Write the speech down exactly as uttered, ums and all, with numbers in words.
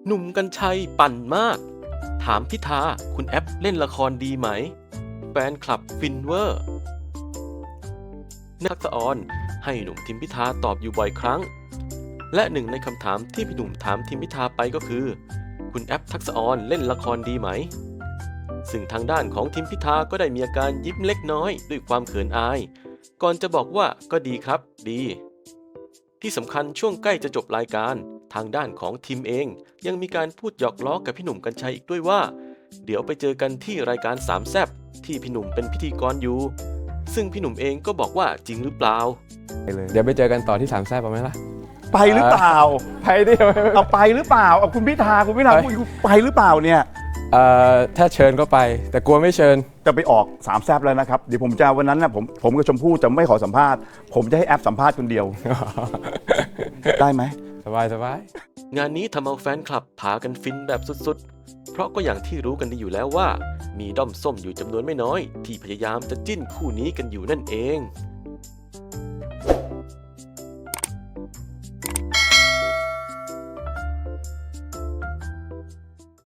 หนุ่มกรรชัยปั่นมากถามพิธาคุณแอปเล่นละครดีไหมแฟนคลับฟินเวอร์นักษออนให้หนุ่มทิมพิธาตอบอยู่บ่อยครั้งและหนึ่งในคำถามที่พี่หนุ่มถามทิมพิธาไปก็คือคุณแอปทักษออนเล่นละครดีไหมซึ่งทางด้านของทิมพิธาก็ได้มีอาการยิ้มเล็กน้อยด้วยความเขินอายก่อนจะบอกว่าก็ดีครับดีที่สำคัญช่วงใกล้จะจบรายการทางด้านของทีมเองยังมีการพูดหยอกล้อกับพี่หนุ่มกรรชัยอีกด้วยว่าเดี๋ยวไปเจอกันที่รายการสามแซ่บที่พี่หนุ่มเป็นพิธีกรอยู่ซึ่งพี่หนุ่มเองก็บอกว่าจริงหรือเปล่าเดี๋ยวไปเจอกันต่อที่สามแซ่บเอาไหมล่ะไปหรือเปล่าไปดิเอาไปหรือเปล่าเอาคุณพิธาคุณพิธาคุณไปหรือเปล่าเนี่ยเอ่อถ้าเชิญก็ไปแต่กลัวไม่เชิญจะไปออกสามแซบแล้วนะครับเดี๋ยวผมจะวันนั้นนะผมผมกับชมพู่จะไม่ขอสัมภาษณ์ผมจะให้แอปสัมภาษณ์คนเดียว ได้ไหมสบายสบายงานนี้ทำเอาแฟนคลับพากันฟินแบบสุดๆเพราะก็อย่างที่รู้กันดีอยู่แล้วว่ามีด้อมส้มอยู่จำนวนไม่น้อยที่พยายามจะจิ้นคู่นี้กันอยู่นั่นเอง